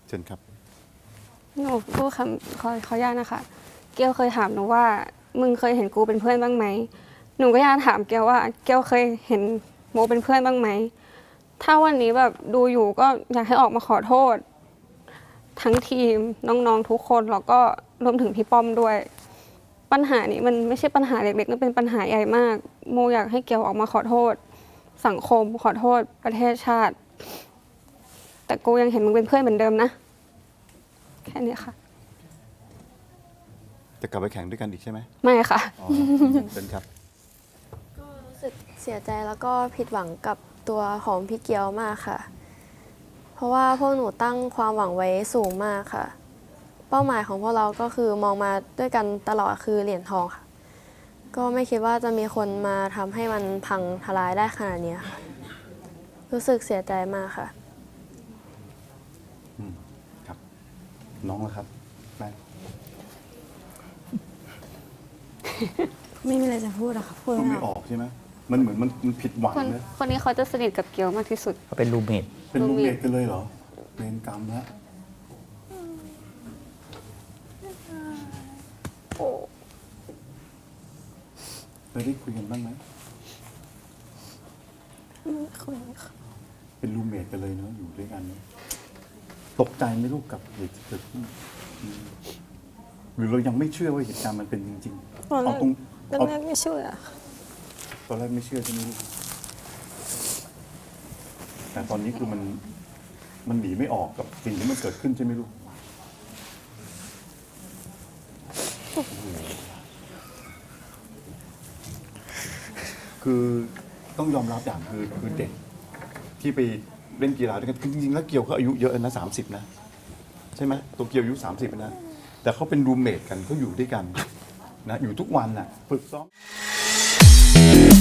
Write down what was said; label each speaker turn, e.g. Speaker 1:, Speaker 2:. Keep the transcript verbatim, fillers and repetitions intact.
Speaker 1: เชิญครับ
Speaker 2: หนูพูดคำขอขออนุญาตนะคะเกลเคยถามหนูว่ามึงเคยเห็นกูเป็นเพื่อนบ้างไหมหนูก็อยากถามเกลว่าเกลเคยเห็นโมเป็นเพื่อนบ้างไหมถ้าวันนี้แบบดูอยู่ก็อยากให้ออกมาขอโทษทั้งทีมน้องๆทุกคนแล้วก็รวมถึงพี่ป้อมด้วยปัญหานี้มันไม่ใช่ปัญหาเล็กๆมันเป็นปัญหาใหญ่มากโมอยากให้เกลออกมาขอโทษสังคมขอโทษประเทศชาติแต่กูยังเห็นมึงเป็นเพื่อนเหมือนเดิมนะแค่นี้ค่ะ
Speaker 1: จะกลับไปแข่งด้วยกันอีกใช่ไหม
Speaker 2: ไม่ค่ะ
Speaker 1: อ๋อเชิญครับ
Speaker 3: ก็รู้สึกเสียใจแล้วก็ผิดหวังกับตัวของพี่เกียวมากค่ะ เพราะว่าพวกหนูตั้งความหวังไว้สูงมากค่ะ เป้าหมายของพวกเราก็คือมองมาด้วยกันตลอดคือเหรียญทองค่ะ ก็ไม่คิดว่าจะมีคนมาทำให้มันพังทลายได้ขนาดนี้ค่ะ รู้สึกเสียใจมากค่ะ
Speaker 1: อืมครับน้องล่ะครับแม่
Speaker 4: ไม่มีอะไรจะพูดอะค่ะพูด
Speaker 1: พูด
Speaker 4: ไม่
Speaker 1: ไม่
Speaker 4: อ
Speaker 1: อ
Speaker 4: อก
Speaker 1: อกใช่ไหมมันเหมือนมันมันผิดหวัง
Speaker 2: คน
Speaker 1: นะ
Speaker 2: คนนี้เขาจะสนิทกับเกียวมากที่สุด
Speaker 5: เขาเป็นรูเมท
Speaker 1: เป็นรูมเมทกันเลยเหรอเวรกรรมแล้วเคยได้คุยกันบ้างไหม
Speaker 4: คุยค่ะ
Speaker 1: เป็นรูมเมทกันเลยเนาะอยู่ด้วยกันเนอะตกใจไหมลูกกับเหตุที่เกิดขึ้นอืมหรือเรายังไม่เชื่อว่าเหตุการณ์มันเป็นจริงๆ
Speaker 4: ตอนแร
Speaker 1: เอา
Speaker 4: ก
Speaker 1: ตรง
Speaker 4: ตอน
Speaker 1: เอา
Speaker 4: แรกไม่เชื่อค่ะ
Speaker 1: ตอนแรกไม่เชื่อใช่ไหมลูกแต่ตอนนี้คือมันมันหนีไม่ออกกับสิ่งที่มันเกิดขึ้นใช่ไหมลูกโอ้โหคือต้องยอมรับอย่างคือคือเด็กที่ไปเล่นกีฬาด้วยกันจริงๆแล้วเกียวเขาอายุเยอะนะสามสิบนะใช่ไหมตัวเกียวอายุสามสิบนะแต่เขาเป็นรูมเมทกันเขาอยู่ด้วยกันนะอยู่ทุกวันน่ะฝึกซ้อม